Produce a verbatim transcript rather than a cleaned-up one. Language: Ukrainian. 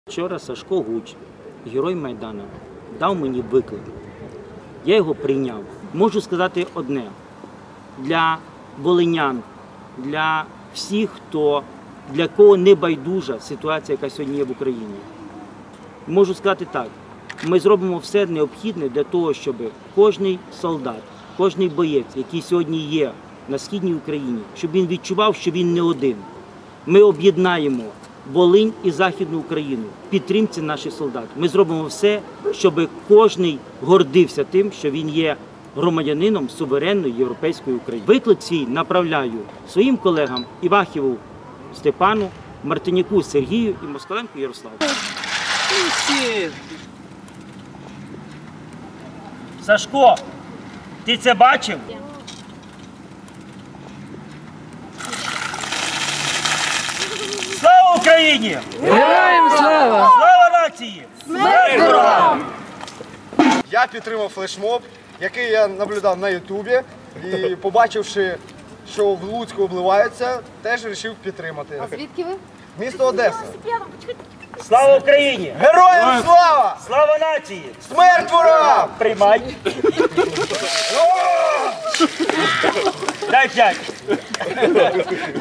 Вчора Сашко Гуч, герой Майдану, дав мені виклик. Я його прийняв. Можу сказати одне. Для волинян, для всіх, хто, для кого не байдужа ситуація, яка сьогодні є в Україні. Можу сказати так. Ми зробимо все необхідне для того, щоб кожний солдат, кожний боєць, який сьогодні є на Східній Україні, щоб він відчував, що він не один. Ми об'єднаємо Волинь і Західну Україну в підтримці наших солдат. Ми зробимо все, щоб кожний гордився тим, що він є громадянином суверенної європейської України. Виклик свій направляю своїм колегам Івахіву Степану, Мартиняку Сергію і Москаленку Ярославу. Сашко, ти це бачив? Слава Україні! Героям слава! Слава нації! Смерть ворогам! Я підтримав флешмоб, який я наблюдав на Ютубі, і побачивши, що в Луцьку обливаються, теж вирішив підтримати. А звідки ви? Місто Одеса. Слава Україні! Героям слава! Слава нації! Смерть ворогам! Приймай! Дай п'ять!